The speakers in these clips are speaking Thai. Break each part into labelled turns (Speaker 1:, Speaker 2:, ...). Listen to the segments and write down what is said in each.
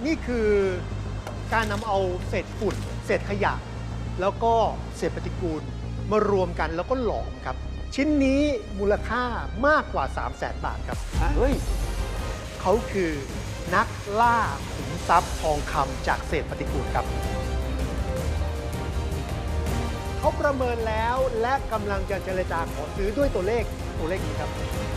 Speaker 1: นี่คือการนำเอาเศษฝุ่นเศษขยะแล้วก็เศษปฏิกูลมารวมกันแล้วก็หลอมครับชิ้นนี้มูลค่ามากกว่า 300,000 บาทครับ
Speaker 2: เฮ้ย
Speaker 1: เขาคือนักล่าขุมทรัพย์ทองคำจากเศษปฏิกูลครับเขาประเมินแล้วและกำลังจะเจรจาขอซื้อด้วยตัวเลขนี้ครับ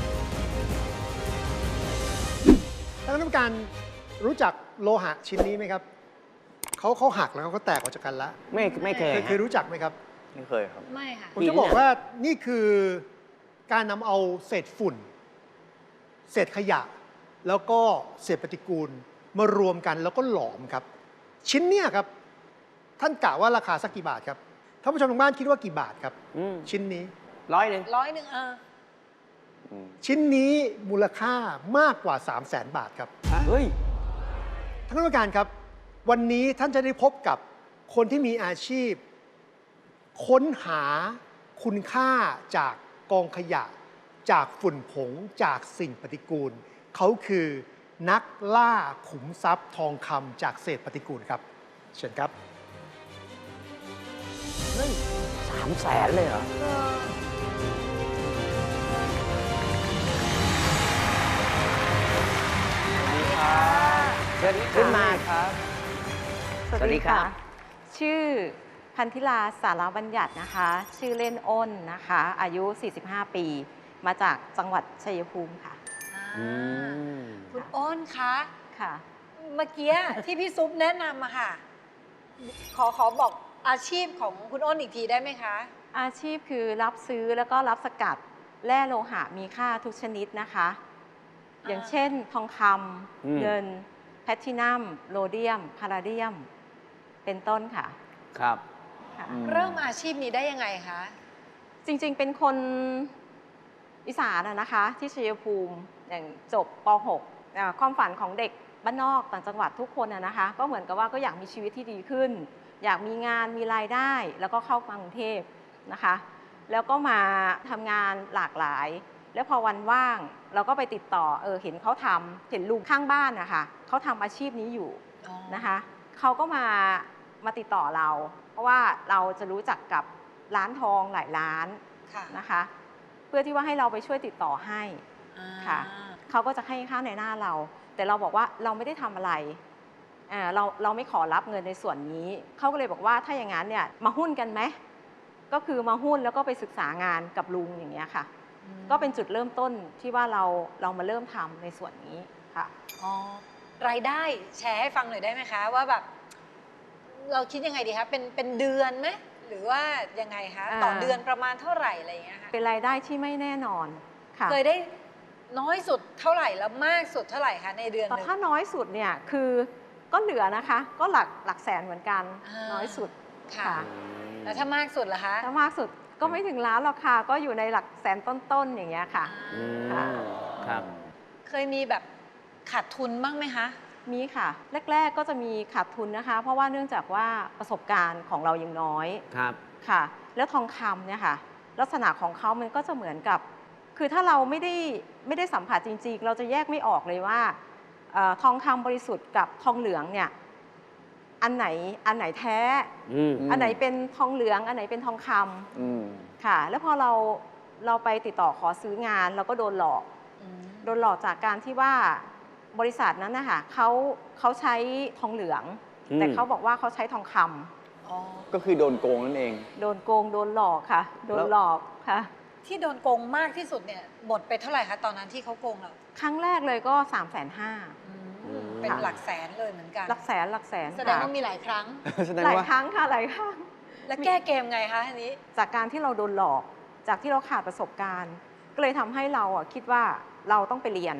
Speaker 1: ท่านคณะกรรมการรู้จักโลหะชิ้นนี้ไหมครับเขาหักแล้วเขาก็แตกออกจากกันแล้ว
Speaker 2: ไม่เคย
Speaker 1: รู้จักไหมครับ
Speaker 2: ไม่เคยครับ
Speaker 3: ไม่ค่ะ
Speaker 1: ผมจะบอกว่านี่คือการนำเอาเศษฝุ่นเศษขยะแล้วก็เศษปฏิกูลมารวมกันแล้วก็หลอมครับชิ้นเนี้ยครับท่านกะว่าราคาสักกี่บาทครับท่านผู้ชมทางบ้านคิดว่ากี่บาทครับชิ้นนี้
Speaker 3: 100
Speaker 1: ชิ้นนี้มูลค่ามากกว่า 300,000 บาทครับ
Speaker 2: เฮ้ย
Speaker 1: ท่านผู้การครับวันนี้ท่านจะได้พบกับคนที่มีอาชีพค้นหาคุณค่าจากกองขยะจากฝุ่นผงจากสิ่งปฏิกูลเขาคือนักล่าขุมทรัพย์ทองคำจากเศษปฏิกูลครับเชิญครับ
Speaker 2: เฮ้ย300,000เลยเหรอสวัสดีครับขึ้นมาครับ
Speaker 4: สวัสดีค่ะชื่อพันธิลาสารบัญญัตินะคะชื่อเล่นอ้นนะคะอายุ45 ปีมาจากจังหวัดชัยภูมิค่ะ
Speaker 3: คุณอ้นคะ
Speaker 4: ค่ะ
Speaker 3: เมื่อกี้ที่พี่ซุปแนะนำมาค่ะขอบอกอาชีพของคุณอ้นอีกทีได้ไหมคะ
Speaker 4: อาชีพคือรับซื้อแล้วก็รับสกัดแร่โลหะมีค่าทุกชนิดนะคะอย่างเช่นทองคำเงินแพลทินัมโรเดียมพาราเดียมเป็นต้นค่ะ
Speaker 2: ครับ
Speaker 3: เริ่มอาชีพนี้ได้ยังไงคะ
Speaker 4: จริงๆเป็นคนอีสานนะคะที่ชัยภูมิอย่างจบป .6 ความฝันของเด็กบ้านนอกต่างจังหวัดทุกคนนะคะก็เหมือนกับว่าก็อยากมีชีวิตที่ดีขึ้นอยากมีงานมีรายได้แล้วก็เข้ามากรุงเทพนะคะแล้วก็มาทำงานหลากหลายแล้วพอวันว่างเราก็ไปติดต่อเห็นเขาเห็นลุงข้างบ้านนะคะเขาทำอาชีพนี้อยู่นะคะเขาก็มาติดต่อเราเพราะว่าเราจะรู้จักกับร้านทองหลายร้านนะคะเพื่อที่ว่าให้เราไปช่วยติดต่อให้ค่ะเขาก็จะให้ค่าในหน้าเราแต่เราบอกว่าเราไม่ได้ทำอะไรเราไม่ขอรับเงินในส่วนนี้เขาก็เลยบอกว่าถ้าอย่างนั้นเนี่ยมาหุ้นกันไหมก็คือมาหุ้นแล้วก็ไปศึกษางานกับลุงอย่างเงี้ยค่ะก็เป็นจุดเริ่มต้นที่ว่าเรามาเริ่มทำในส่วนนี้ค่ะ
Speaker 3: รายได้แชร์ให้ฟังหน่อยได้ไหมคะว่าแบบเราคิดยังไงดีคะเป็นเดือนไหมหรือว่ายังไงคะต่อเดือนประมาณเท่าไหร่อะไรอย่างเงี้ยค่ะ
Speaker 4: เป็นรายได้ที่ไม่แน่นอนค่ะ
Speaker 3: เคยได้น้อยสุดเท่าไหร่แล้วมากสุดเท่าไหร่คะในเดือนนึง
Speaker 4: ถ้าน้อยสุดเนี่ยคือก็เหลือนะคะก็หลักแสนเหมือนกันน้อยสุด
Speaker 3: ค่ะแล้วถ้ามากสุดล่ะคะ
Speaker 4: ถ้ามากสุดก็ไม่ถึงล้านหรอกค่ะก็อยู่ในหลักแสนต้นๆอย่างเงี้ยค่ะ
Speaker 2: ครับ
Speaker 3: เคยมีแบบขาดทุนบ้างไหมคะ
Speaker 4: มีค่ะแรกๆก็จะมีขาดทุนนะคะเพราะว่าเนื่องจากว่าประสบการณ์ของเรายังน้อย
Speaker 2: ครับ
Speaker 4: ค่ะแล้วทองคำเนี่ยค่ะลักษณะของเขามันก็จะเหมือนกับคือถ้าเราไม่ได้สัมผัสจริงๆเราจะแยกไม่ออกเลยว่าทองคำบริสุทธิ์กับทองเหลืองเนี่ยอันไหนแท้อันไหนเป็นทองเหลืองอันไหนเป็นทองคำค่ะแล้วพอเราไปติดต่อขอซื้องานเราก็โดนหลอกจากการที่ว่าบริษัทนั้นนะคะเขาใช้ทองเหลืองแต่เขาบอกว่าเขาใช้ทองคำ
Speaker 2: ก็คือโดนโกงนั่นเอง
Speaker 4: โดนโกงโดนหลอกค่ะโดนหลอกค่ะ
Speaker 3: ที่โดนโกงมากที่สุดเนี่ยหมดไปเท่าไหร่คะตอนนั้นที่เขาโกงเรา
Speaker 4: ครั้งแรกเลยก็350,000
Speaker 3: เป็นหลักแสนเลยเหมือนกัน
Speaker 4: หลักแสน
Speaker 3: แสดงว่ามีหลายครั้ง
Speaker 4: หลายครั้งค่ะหลายครั้ง
Speaker 3: แล้วแก้เกมไงคะทีนี้
Speaker 4: จากการที่เราโดนหลอกจากที่เราขาดประสบการณ์ก็เลยทำให้เราคิดว่าเราต้องไปเรียน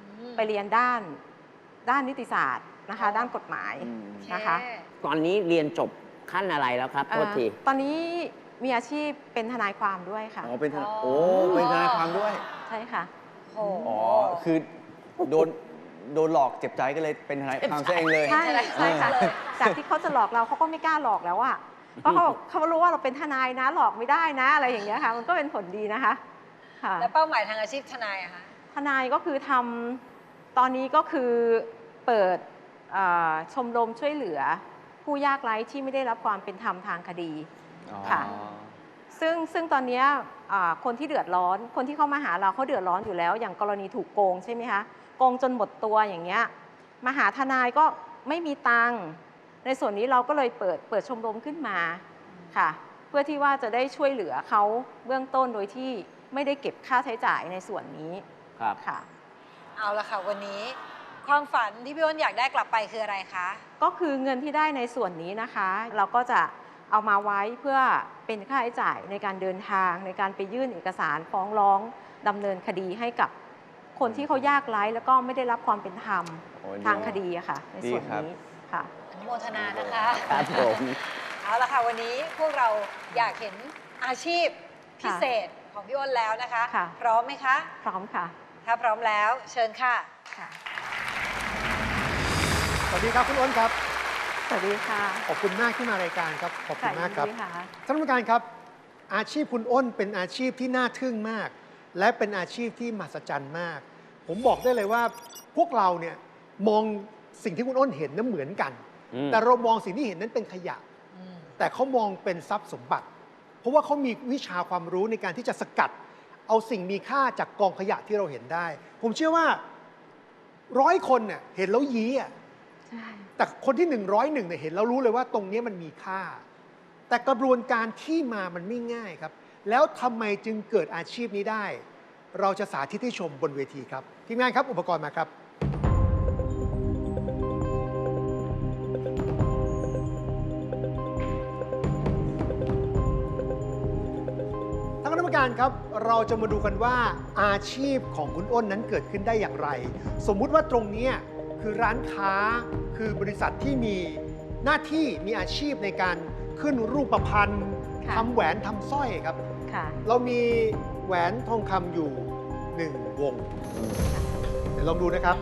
Speaker 4: ด้านนิติศาสตร์นะคะด้านกฎหมายนะคะ
Speaker 2: ตอนนี้เรียนจบขั้นอะไรแล้วครับโทษที
Speaker 4: ตอนนี้มีอาชีพเป็นทนายความด้วยค่ะ
Speaker 2: เป็นทนายเป็นทนายความด้วย
Speaker 4: ใช่ค่ะ
Speaker 2: คือโดนหลอกเจ็บใจก็เลยเป็นทนายความซะเองเลย
Speaker 4: ใช่ค่ะจากที่เขาจะหลอกเราเขาก็ไม่กล้าหลอกแล้วอ่ะเพราะเขารู้ว่าเราเป็นทนายนะหลอกไม่ได้นะอะไรอย่างเงี้ยค่ะมันก็เป็นผลดีนะคะ
Speaker 3: แล้วเป้าหมายทางอาชีพทนายอะคะ
Speaker 4: ทนายก็คือตอนนี้ก็คือเปิดชมรมช่วยเหลือผู้ยากไร้ที่ไม่ได้รับความเป็นธรรมทางคดี
Speaker 2: อ๋อ
Speaker 4: ค่ะ ซึ่งตอนเนี้ยคนที่เดือดร้อนคนที่เข้ามาหาเราเขาเดือดร้อนอยู่แล้ว อย่างกรณีถูกโกงใช่ไหมคะโกงจนหมดตัวอย่างเงี้ยมาหาทนายก็ไม่มีตังค์ในส่วนนี้เราก็เลยเปิดชมรมขึ้นมาค่ะเพื่อที่ว่าจะได้ช่วยเหลือเขาเบื้องต้นโดยที่ไม่ได้เก็บค่าใช้จ่ายในส่วนนี้
Speaker 2: ครับ
Speaker 4: ค่ะ
Speaker 3: เอาละค่ะวันนี้ความฝันที่พี่อ้นอยากได้กลับไปคืออะไรคะ
Speaker 4: ก็คือเงินที่ได้ในส่วนนี้นะคะ เราก็จะเอามาไว้เพื่อเป็นค่าใช้จ่ายในการเดินทางในการไปยื่นเอกสารฟ้องร้องดำเนินคดีให้กับคนที่เขายากไร้แล้วก็ไม่ได้รับความเป็นธรรม
Speaker 2: โอ้ย
Speaker 4: ทางคดีอะค่ะ ในส่วน
Speaker 2: ดีครับ
Speaker 4: นี้ค่ะ
Speaker 3: อนุโมทนานะคะ
Speaker 2: ครับผม
Speaker 3: เอาละค่ะวันนี้พวกเราอยากเห็นอาชีพพิเศษของพี่อ้นแล้วนะคะ
Speaker 4: ค่ะ
Speaker 3: พร้อมไหมคะ
Speaker 4: พร้อมค่ะ
Speaker 3: ถ้าพร้อมแล้วเชิญค่ะ
Speaker 4: ค่ะ
Speaker 1: สวัสดีครับคุณอ้นครับ
Speaker 4: สวัสดีค่ะ
Speaker 1: ขอบคุณมากที่มารายการครับ ขอบคุณมากครับ
Speaker 4: ยินดีค่ะ
Speaker 1: ท่านผู้การครับ อาชีพคุณอ้นเป็นอาชีพที่น่าทึ่งมาก และเป็นอาชีพที่มหัศจรรย์มาก ผมบอกได้เลยว่าพวกเราเนี่ยมองสิ่งที่คุณอ้นเห็นนั้นเหมือนกัน แต่เรามองสิ่งที่เห็นนั้นเป็นขยะ แต่เขามองเป็นทรัพย์สมบัติ เพราะว่าเขามีวิชาความรู้ในการที่จะสกัด เอาสิ่งมีค่าจากกองขยะที่เราเห็นได้ ผมเชื่อว่า100 คนเนี่ยเห็นแล้วยี้อ่ะ
Speaker 4: ใช่
Speaker 1: แต่คนที่101เนี่ยเห็นแล้วรู้เลยว่าตรงนี้มันมีค่า แต่กระบวนการที่มามันไม่ง่ายครับ แล้วทำไมจึงเกิดอาชีพนี้ได้ เราจะสาธิตให้ชมบนเวทีครับทีมงานครับอุปกรณ์มาครับ ท่านคณะกรรมการครับ เราจะมาดูกันว่าอาชีพของคุณอ้นนั้นเกิดขึ้นได้อย่างไร สมมุติว่าตรงนี้คือร้านค้าคือบริษัทที่มีหน้าที่มีอาชีพในการขึ้นรูปพรรณ
Speaker 4: ค่ะ
Speaker 1: ทำแหวนทำสร้อยครับ
Speaker 4: ค่ะ
Speaker 1: เรามีแหวนทองคำอยู่1 วง เดี๋ยวลองดูนะครับ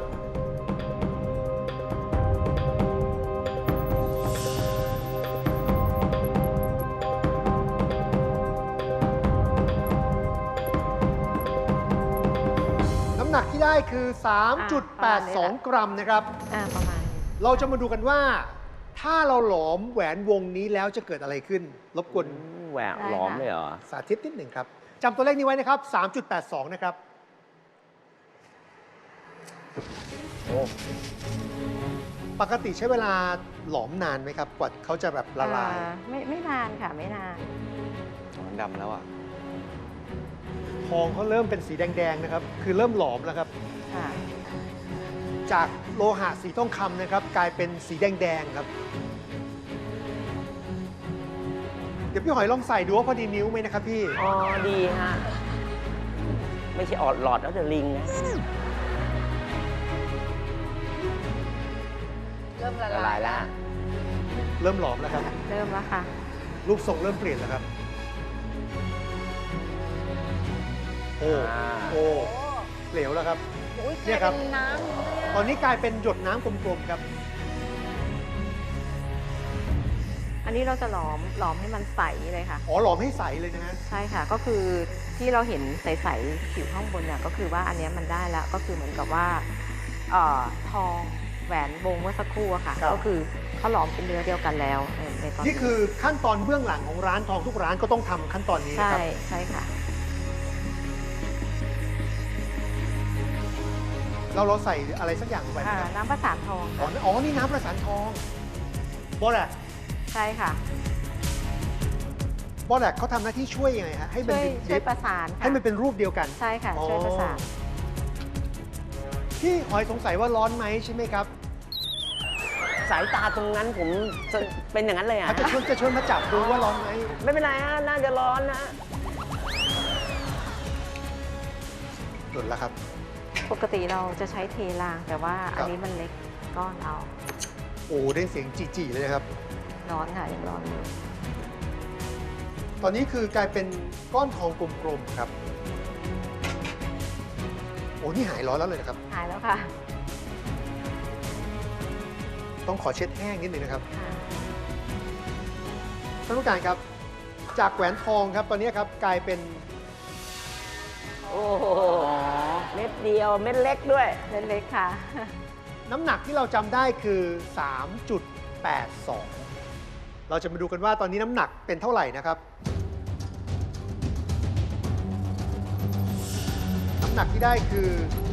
Speaker 1: น้ำหนักที่ได้คือ 3.82 กรัมนะครับ
Speaker 4: ประมาณนี้
Speaker 1: เราจะมาดูกันว่า ถ้าเราหลอมแหวนวงนี้แล้วจะเกิดอะไรขึ้น รบกวน
Speaker 5: แหวกหลอมเลยเหรอ
Speaker 1: สาธิตนิดหนึ่งครับจำตัวเลขนี้ไว้นะครับ 3.82 นะครับ
Speaker 5: โอ้
Speaker 1: ปกติใช้เวลาหลอมนานไหมครับ กว่าเขาจะแบบละลาย
Speaker 4: ไม่นานค่ะไม่นาน
Speaker 2: มันดำแล้วอ่ะ
Speaker 1: ทองเขาเริ่มเป็นสีแดงๆนะครับ คือเริ่มหลอมแล้วครับ
Speaker 4: ค่ะ
Speaker 1: จากโลหะสีทองคำนะครับ กลายเป็นสีแดงๆครับ เดี๋ยวพี่หอยลองใส่ดูว่าพอดีนิ้วไหมนะครับพี่
Speaker 5: อ๋อ ดีฮะ ไม่ใช่ออดหลอดแล้วจะลิงนะ
Speaker 3: เริ่มละ
Speaker 5: ละ
Speaker 3: ลา
Speaker 5: ลาย ยแล้ว
Speaker 1: เริ่มหลอมแล้วครับ
Speaker 4: เริ่มแล้วค่ะ
Speaker 1: รูปทรงเริ่มเปลี่ยนแล้วครับ โอ้
Speaker 5: อ่า
Speaker 1: โอ้
Speaker 3: โอ้
Speaker 1: เหลวแล้วครับ
Speaker 3: โอ้ยก
Speaker 1: เนี่
Speaker 3: ลาย
Speaker 1: ยครั
Speaker 3: เป็
Speaker 1: บ
Speaker 3: นน้ำเลย
Speaker 1: ตอนนี้กลายเป็นหยดน้ำกลมๆครับ
Speaker 4: อันนี้เราจะหลอมให้มันใสเลยค่ะ
Speaker 1: อ๋อหลอมให้ใสเลยนะฮะ
Speaker 4: ใช่ค่ะ ก็คือที่เราเห็นใสๆผิวข้างบนเนี่ยก็คือว่าอันเนี้ยมันได้แล้ว ก็คือเหมือนกับว่าทองแหวนวงเมื่อสักครู่อะค่ะ
Speaker 1: ครับ
Speaker 4: ก็คือเขาหลอมเป็นเนื้อเดียวกันแล้วในตอน
Speaker 1: นี่คือขั้นตอนเบื้องหลังของร้านทองทุกร้านก็ต้องทำขั้นตอนนี้นะ
Speaker 4: ใช่
Speaker 1: ครับ
Speaker 4: ใช่ค่ะ
Speaker 1: เราใส่อะไรสักอย่างลงไปไหมครับ
Speaker 4: น้ำประสานทอง
Speaker 1: อ๋อ
Speaker 4: ค่ะ
Speaker 1: อ๋อ นี่น้ำประสานทองบอแลก
Speaker 4: ใช่ค่ะ
Speaker 1: บอแลกเขาทำหน้าที่ช่วยยังไงฮะ ให้มัน
Speaker 4: ช่วยประสานค่ะ
Speaker 1: ให้มันเป็นรูปเดียวกัน
Speaker 4: ใช่ค่ะ
Speaker 1: อ๋อ
Speaker 4: ช่วยประสาน
Speaker 1: พี่หอยสงสัยว่าร้อนไหมใช่ไหมครับ
Speaker 5: สายตาตรงนั้นผมจะเป็นอย่างนั้นเลยอ่ะ
Speaker 1: เขาจะชวนมาจับดูว่าร้อนไหม
Speaker 5: ไม่เป็นไรฮะ น่าจะร้อนนะ
Speaker 1: หลุดแล้วครับ
Speaker 4: ปกติเราจะใช้เทราง แต่ว่า
Speaker 1: ครับ
Speaker 4: อันนี้มันเล็กก้อนเอา
Speaker 1: โอ้ได้เสียงจีๆเลยนะครับ
Speaker 4: ร้อนค่ะยังร้อนอยู่
Speaker 1: ตอนนี้คือกลายเป็นก้อนทองกลมๆครับ โอ้นี่หายร้อนแล้วเลยนะครับ
Speaker 4: หายแล้วค่ะ
Speaker 1: ต้องขอเช็ดแห้งนิดหนึ่งนะครับ
Speaker 4: ค่ะ
Speaker 1: ท่านผู้การครับ จากแหวนทองครับ ตอนนี้ครับกลายเป็น
Speaker 5: โอ้โหเม็ดเดียว เม็ดเล็กด้วย
Speaker 4: เล็กๆค่ะ
Speaker 1: น้ำหนักที่เราจำได้คือ 3.82 เราจะมาดูกันว่าตอนนี้น้ำหนักเป็นเท่าไหร่นะครับ น้ำหนักที่ได้คือ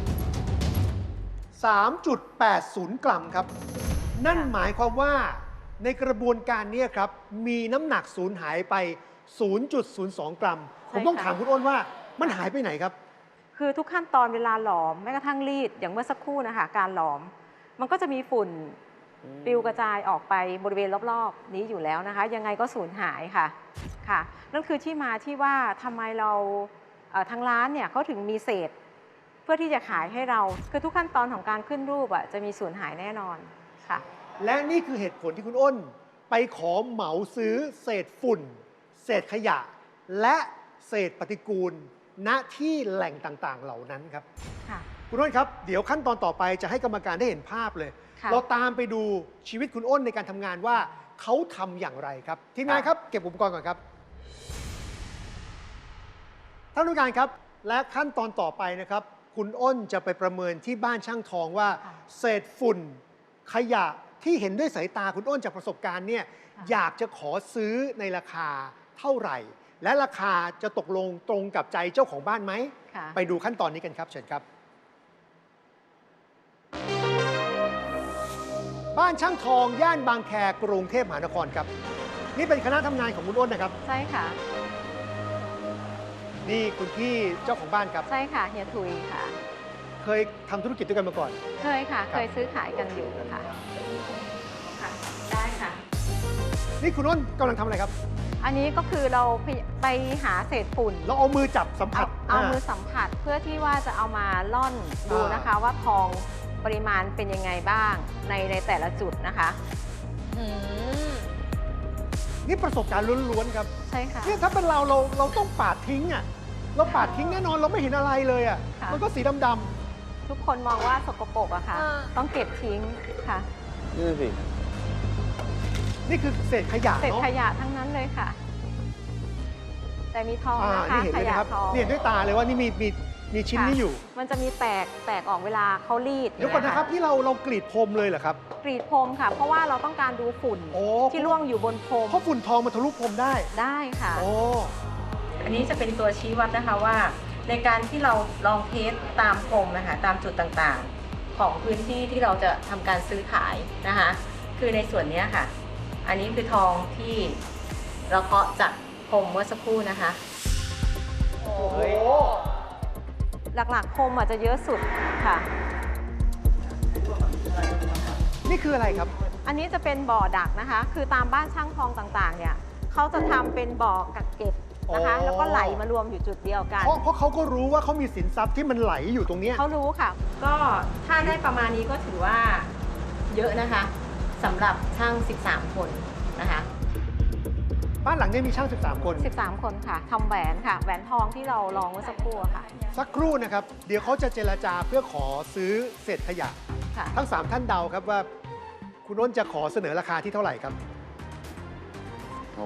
Speaker 1: 3.80 กรัมครับ นั่นหมายความว่าในกระบวนการนี้ครับ มีน้ำหนักสูญหายไป 0.02 กรัม ผมต้องถามคุณอ้นว่ามันหายไปไหนครับ
Speaker 4: คือทุกขั้นตอนเวลาหลอมแม้กระทั่งรีดอย่างเมื่อสักครู่นะคะการหลอม มันก็จะมีฝุ่นปลิวกระจายออกไปบริเวณรอบๆนี้อยู่แล้วนะคะ ยังไงก็สูญหายค่ะค่ะนั่นคือที่มาที่ว่าทำไมเราทางร้านเนี่ยเขาถึงมีเศษ เพื่อที่จะขายให้เราคือทุกขั้นตอนของการขึ้นรูปจะมีสูญหายแน่นอนค่ะ
Speaker 1: และนี่คือเหตุผลที่คุณอ้น ไปขอเหมาซื้อเศษฝุ่น เศษขยะ และเศษปฏิกูล ณที่แหล่งต่างๆ เหล่านั้นครับ
Speaker 4: ค่ะ
Speaker 1: คุณอ้นครับ เดี๋ยวขั้นตอนต่อไปจะให้กรรมการได้เห็นภาพเลย
Speaker 4: ค่ะ
Speaker 1: เราตามไปดูชีวิตคุณอ้นในการทำงานว่าเขาทำอย่างไรครับ ทีมงานครับ เก็บอุปกรณ์ก่อนครับ ท่านผู้การครับ และขั้นตอนต่อไปนะครับ คุณอ้นจะไปประเมินที่บ้านช่างทองว่า เศษฝุ่น ขยะที่เห็นด้วยสายตาคุณอ้นจากประสบการณ์เนี่ยอยากจะขอซื้อในราคาเท่าไหร่ และราคาจะตกลงตรงกับใจเจ้าของบ้านไหม
Speaker 4: ค่ะ
Speaker 1: ไปดูขั้นตอนนี้กันครับเชิญครับ บ้านช่างทองย่านบางแคกรุงเทพมหานครครับ นี่เป็นคณะทำงานของคุณอ้นนะครับ
Speaker 4: ใช่ค่ะ
Speaker 1: นี่คุณพี่เจ้าของบ้านครับ
Speaker 4: ใช่ค่ะเฮียทุยค่ะ
Speaker 1: เคยทำธุรกิจด้วยกันมาก่อน
Speaker 4: เคยค่ะ เคยซื้อขายกันอยู่ค่ะค่ะ ได้ค่ะ
Speaker 1: นี่คุณอ้นกำลังทำอะไรครับ
Speaker 4: อันนี้ก็คือเราไปหาเศษฝุ่น
Speaker 1: เราเอามือจับสัมผัส
Speaker 4: เอามือสัมผัสเพื่อที่ว่าจะเอามาล่อนดูนะคะ ว่าทองปริมาณเป็นยังไงบ้างในแต่ละจุดนะคะ
Speaker 3: อืม
Speaker 1: นี่ประสบการณ์ล้วนๆครับ
Speaker 4: ใช่ค่ะ
Speaker 1: เนี่ยถ้าเป็นเราต้องปาดทิ้งอ่ะ เราปาดทิ้งแน่นอนเราไม่เห็นอะไรเลยอ่ะ
Speaker 4: ค่ะ
Speaker 1: มันก็สีดำๆ
Speaker 4: ทุกคนมองว่าสกปรกอะค่ะ ต้องเก็บทิ้งค่ะ
Speaker 2: นี่สิ
Speaker 1: นี่คือเศษขยะ
Speaker 4: เศษ
Speaker 1: เนาะ
Speaker 4: ขยะทั้งนั้นเลยค่ะ แต่มีทองนะคะ
Speaker 1: นี่เห็นเลยนะครับ
Speaker 4: ขยะทอง
Speaker 1: นี่เห็นด้วยตาเลยว่านี่มีชิ้นนี้อยู่
Speaker 4: มันจะมีแตกออกเวลาเขารีด
Speaker 1: เดี๋ยวก่อนนะครับที่เรากรีดพรมเลยเหรอครับ
Speaker 4: กรีดพรมค่ะ เพราะว่าเราต้องการดูฝุ่น
Speaker 1: โอ้
Speaker 4: ที่ร่วงอยู่บนพรม
Speaker 1: เพราะฝุ่นทองมันทะลุพรมได้
Speaker 4: ได้ค่ะ
Speaker 1: โอ้
Speaker 4: อันนี้จะเป็นตัวชี้วัดนะคะว่า ในการที่เราลองเทสตามพรมนะคะตามจุดต่างๆ ของพื้นที่ที่เราจะทำการซื้อขายนะคะ คือในส่วนนี้ค่ะ อันนี้คือทองที่เราเคาะจากพรมเมื่อสักครู่นะคะ
Speaker 3: โอ้
Speaker 1: โอ้
Speaker 4: หลักๆพรมอาจจะเยอะสุดค่ะ
Speaker 1: นี่คืออะไรครับ
Speaker 4: อันนี้จะเป็นบ่อดักนะคะ คือตามบ้านช่างทองต่างๆ เนี่ยเขาจะทำเป็นบ่อกักเก็บนะคะ
Speaker 1: อ๋อ
Speaker 4: แล้วก็ไหลมารวมอยู่จุดเดียวกัน
Speaker 1: เพราะเขาก็รู้ว่าเขามีสินทรัพย์ที่มันไหลอยู่ตรงเนี้ย
Speaker 4: เขารู้ค่ะ ก็ถ้าได้ประมาณนี้ก็ถือว่าเยอะนะคะสำหรับช่าง 13 คนนะคะ
Speaker 1: บ้านหลังนี้มีช่าง 13 คน
Speaker 4: 13 คนค่ะทำแหวนค่ะ แหวนทองที่เราลองเมื่อสักครู่อะค่ะ
Speaker 1: สักครู่นะครับ เดี๋ยวเขาจะเจรจาเพื่อขอซื้อเศษขยะ
Speaker 4: ค่ะ
Speaker 1: ทั้ง 3 ท่านเดาครับว่า คุณอ้นจะขอเสนอราคาที่เท่าไหร่ครับ
Speaker 2: โห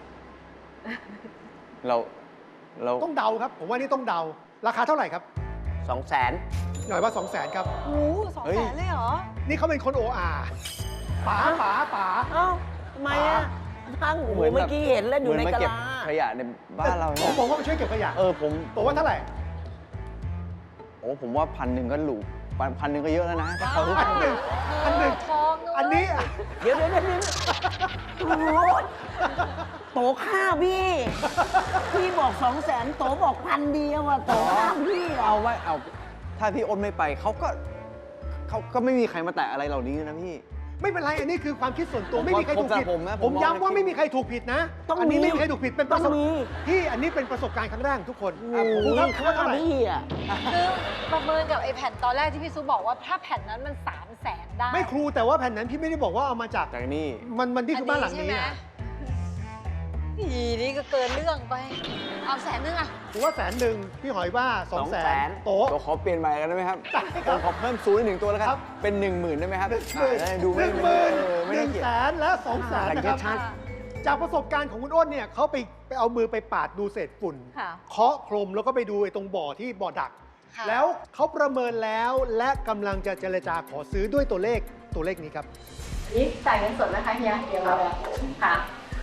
Speaker 2: เรา
Speaker 1: ต้องเดาครับ ผมว่านี่ต้องเดา ราคาเท่าไหร่ครับ
Speaker 5: 200,000
Speaker 1: หน่อยว่า 200,000 ครับ
Speaker 3: โห200,000เลยเหรอ
Speaker 1: นี่เขาเป็นคนโออาป๋า
Speaker 5: เอ้าทำไมอ่ะช่างโอ้โหเมื่อกี้เห็นแล้วอยู่ใน
Speaker 2: เหมื
Speaker 5: กะ
Speaker 2: มาเก็บ
Speaker 5: ลา
Speaker 2: ขยะในบ้านเรา
Speaker 1: ผ
Speaker 2: เนี่
Speaker 1: ม
Speaker 2: ย
Speaker 1: บอกว่ามาช่วยเก็บขยะ
Speaker 2: ผม
Speaker 1: บอกว่าเท่าไหร่
Speaker 2: ผมว่า1,000ก็หรู1,000ก็เยอะแล้วนะถ้าเขา
Speaker 1: 1,100
Speaker 3: ทองนะเว้ย
Speaker 1: อันนี้
Speaker 5: เดี๋ยวโอ้โหโตฆ่าพี่ พี่บอก200,000โตบอก1,000เดียวอ่ะโตฆ่าพี่อ่ะ
Speaker 2: เอาไว้เอาถ้าพี่อ้นไม่ไปเขาก็ไม่มีใครมาแตะอะไรเหล่านี้นะพี่
Speaker 1: ไม่เป็นไร อันนี้คือความคิดส่วนตัว
Speaker 2: ผม
Speaker 1: ไม่มีใครถูกผิด
Speaker 2: ผมนะ
Speaker 1: ผม
Speaker 2: ผมมอง
Speaker 1: ย้ำว่า
Speaker 2: ในคลิป
Speaker 1: ไม่มีใครถูกผิดนะ
Speaker 5: ต้อง
Speaker 1: อันี้
Speaker 5: มี
Speaker 1: ไม่มีใครถูกผิด เป็นประสบ
Speaker 5: ต้องมี
Speaker 1: พี่อันนี้เป็นประสบการณ์ครั้งแรกของทุกคน
Speaker 5: โอ้โห
Speaker 1: ครูครับ
Speaker 5: ฆ่า
Speaker 1: ว่าเท่าไหร่
Speaker 5: พี่อ่ะ
Speaker 3: คือประเมินกับไอ้แผ่นตอนแรกที่พี่ซุปบอกว่าถ้าแผ่นนั้นมัน300,000ได้
Speaker 1: ไม่ครูแต่ว่าแผ่นนั้นพี่ไม่ได้บอกว่าเอามาจาก
Speaker 2: จากนี่
Speaker 1: มันนี่คือบ้านหลังนี้
Speaker 3: ใช่ไม
Speaker 1: อะ
Speaker 3: อีนี่ก็เกินเรื่องไป เอา100,000อะ
Speaker 1: ผมว่า100,000พี่หอยว่า200,000โต๊ะ
Speaker 2: ตัวขอเปลี่ยนใหม่กันได้ไหมครับ
Speaker 1: ได้ครับ
Speaker 2: ผมขอเพิ่มศูนย์อีก1ตัวแล้วค
Speaker 1: ครั
Speaker 2: รับ บ เป็น 10,000ได้ไหมครับ
Speaker 1: 10,000
Speaker 2: จะได้ดูไม่
Speaker 1: 10,000
Speaker 2: น่าเกลียด
Speaker 1: 100,000และ200,000นะครับ
Speaker 2: ชัด
Speaker 1: จากประสบการณ์ของคุณอ้นเนี่ยเขาไปเอามือไปปาดดูเศษฝุ่น
Speaker 4: ค่ะ
Speaker 1: เคาะโครมแล้วก็ไปดูไอ้ตรงบ่อที่บ่อดัก
Speaker 3: ค่ะ
Speaker 1: แล้วเขาประเมินแล้วและกำลังจะเจรจาขอซื้อด้วยตัวเลขนี้ครับ
Speaker 4: นี่จ่ายเงินสดนะคะเฮียเดี๋ยวเราค่ะ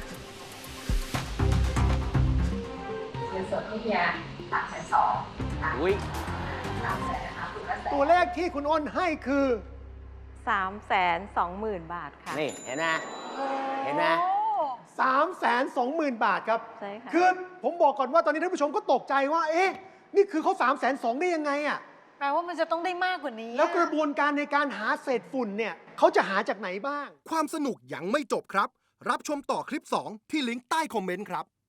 Speaker 4: เงินสดที่เฮีย320,000ค่ะ
Speaker 2: อุ้ย
Speaker 4: 300,000นะคะคุณละแสน
Speaker 1: ตัวเลขที่คุณอ้นให้คือ
Speaker 4: 320,000 บาทค่ะ
Speaker 5: นี่เห็นไหม เห็นไหม
Speaker 3: โอ้
Speaker 1: 320,000 บาทครับ
Speaker 4: ใช่ค่ะ
Speaker 1: คือผมบอกก่อนว่าตอนนี้ท่านผู้ชมก็ตกใจว่า เอ๊ะ นี่คือเขา320,000ได้ยังไงอะ
Speaker 3: แปลว่ามันจะต้องได้มากกว่านี้
Speaker 1: แล้วกระบวนการในการหาเศษฝุ่นเนี่ยเขาจะหาจากไหนบ้าง
Speaker 6: ความสนุกยังไม่จบครับ รับชมต่อคลิป 2 ที่ลิงก์ใต้คอมเมนต์ครับ